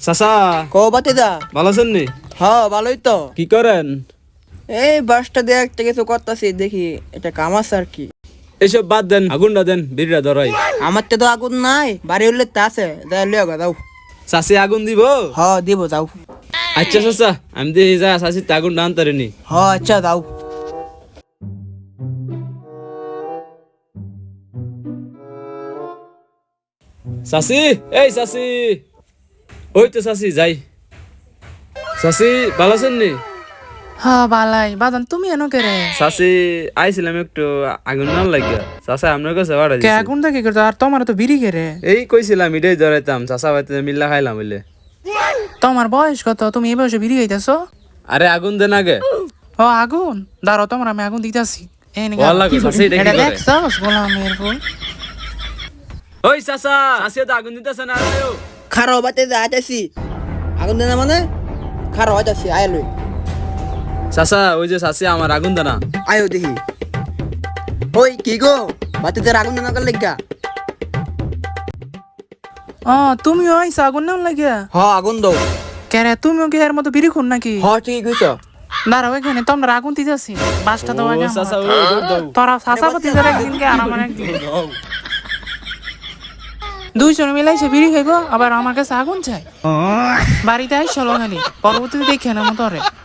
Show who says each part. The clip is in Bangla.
Speaker 1: চাচা
Speaker 2: কো বাতিদা
Speaker 1: ভালো আছেন নি?
Speaker 2: হ্যাঁ ভালোই তো।
Speaker 1: কি করেন?
Speaker 2: এই বাসটা দিয়ে একটা কিছু করতেছি, দেখি এটা কাম আছে আর কি।
Speaker 1: এসব বাদ দেন, আগুনটা দেন, বিড়িটা ধরাই।
Speaker 2: আমার তো আগুন নাই, বাড়ি হলে তা আছে, যাই লিও গা যাও।
Speaker 1: চাচি আগুন দিব?
Speaker 2: হ্যাঁ দিব যাও।
Speaker 1: আচ্ছা চাচা, আমি দিয়ে যা চাচি আগুন ডান তারিনি।
Speaker 2: হ্যাঁ আচ্ছা যাও।
Speaker 1: চাচি, এই চাচি, ওই তো চাচি যাই। চাচি ভালো আছেন নি?
Speaker 3: হ্যাঁ বালাই বাদান তুমি এনো কে রে?
Speaker 1: চাচি আইছিলাম একটু আগুন না লাগিয়া, চাচা আপনার কাছে বাড়া
Speaker 3: কে
Speaker 1: দিছি।
Speaker 3: আগুন দেখি করতো আর তোমার তো বিড়ি কে রে?
Speaker 1: এই কইছিলাম এটাই ধরাইতাম, চাচা ভাইতে মিল্লা খাইলাম বলে।
Speaker 3: তোমার বয়স কত? তুমি এই বয়সে বিড়ি খাইতেছো?
Speaker 1: আরে আগুন দেন আগে।
Speaker 3: ও আগুন দাঁড়াও, তোমার আমি আগুন দিতেছি। এই নে
Speaker 1: ওয়াল্লাহ গো, চাচি এটা কি করে?
Speaker 3: দেখছস গোলামের ফুল।
Speaker 1: ওই চাচা, চাচি তো আগুন দিতেছে না আরেও।
Speaker 2: খারো বাতিদা আইতাছি। আগুন দেনা মানে খারো আইতাছি, আয় লই।
Speaker 1: চাচা ওই যে চাচি আমার আগুন দেনা।
Speaker 2: আয়ো দেখি। ওই কি গো, বাতিদার আগুন দেনা কর লাগা।
Speaker 3: তুমিও আইসা আগুন নাম লাগিয়া?
Speaker 2: হ্যাঁ আগুন দাও।
Speaker 3: কে রে, তুমিও কি এর মতো বিড়ি খুন নাকি?
Speaker 2: হ্যাঁ ঠিকই কইছো।
Speaker 3: দাঁড়াও এখানে তোমরা আগুন দিতেছি। বাসটা তো আগে
Speaker 1: ও চাচা
Speaker 3: আমার।
Speaker 1: ওই দৌড় দাও।
Speaker 3: তোরা সাসাপতি ধরে একদিনকে আর আমার একদিন। দুইজন মিলাইছে বিড়ি খাইবো, আবার আমার কাছে আগুন চাই। বাড়িতে আইসলো খালি, পরবর্তীতে দেখে না মতো রে।